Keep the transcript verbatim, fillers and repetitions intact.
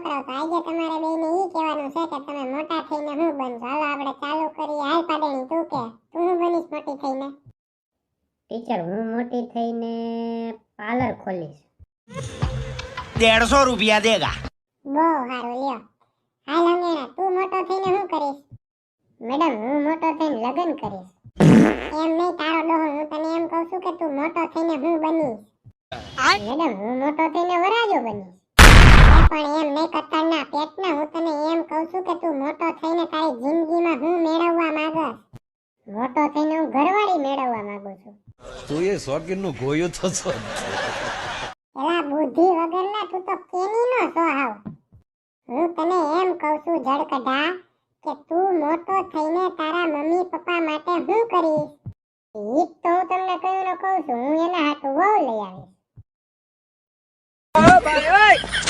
છોકરાઓ તો આજે તમારે બેયને ઈ કહેવાનું છે કે તમે મોટા થઈને હું બનશો. હાલો આપણે ચાલુ કરીએ. હાલ પાડેણી તું કે તું હું બનીશ મોટી થઈને? ટીચર હું મોટી થઈને પાર્લર ખોલીશ. डेढ़ सौ रुपया देगा. બહુ સારું લ્યો. હાલ અંગેણા તું મોટો થઈને શું કરીશ? મેડમ હું મોટો થઈને લગ્ન કરીશ. એમ નહીં તારો ડોહો, હું તને એમ કહું છું કે તું મોટો થઈને હું બનીશ? મેડમ હું મોટો થઈને વરાજો બનીશ. એ પણ એમ નહીં કતરના પેટના, હું તને એમ કહું છું કે તું મોટો થઈને તારી જિંદગીમાં હું મેળવવા માંગસ? મોટો થઈને હું ઘરવાળી મેળવવા માંગુ છું. તું એ શોખીન નું ગોયું તો છો. એલા બુદ્ધિ વગરના તું તો કેની નો છો હાવ. હું તને એમ કહું છું જડકઢા કે તું મોટો થઈને તારા મમ્મી પપ્પા માટે શું કરીશ? ઈ જ તો હું તમને કહ્યું ને કહું છું, હું એના હાથું વહુ લઈ આવીશ. ओ भाई ओए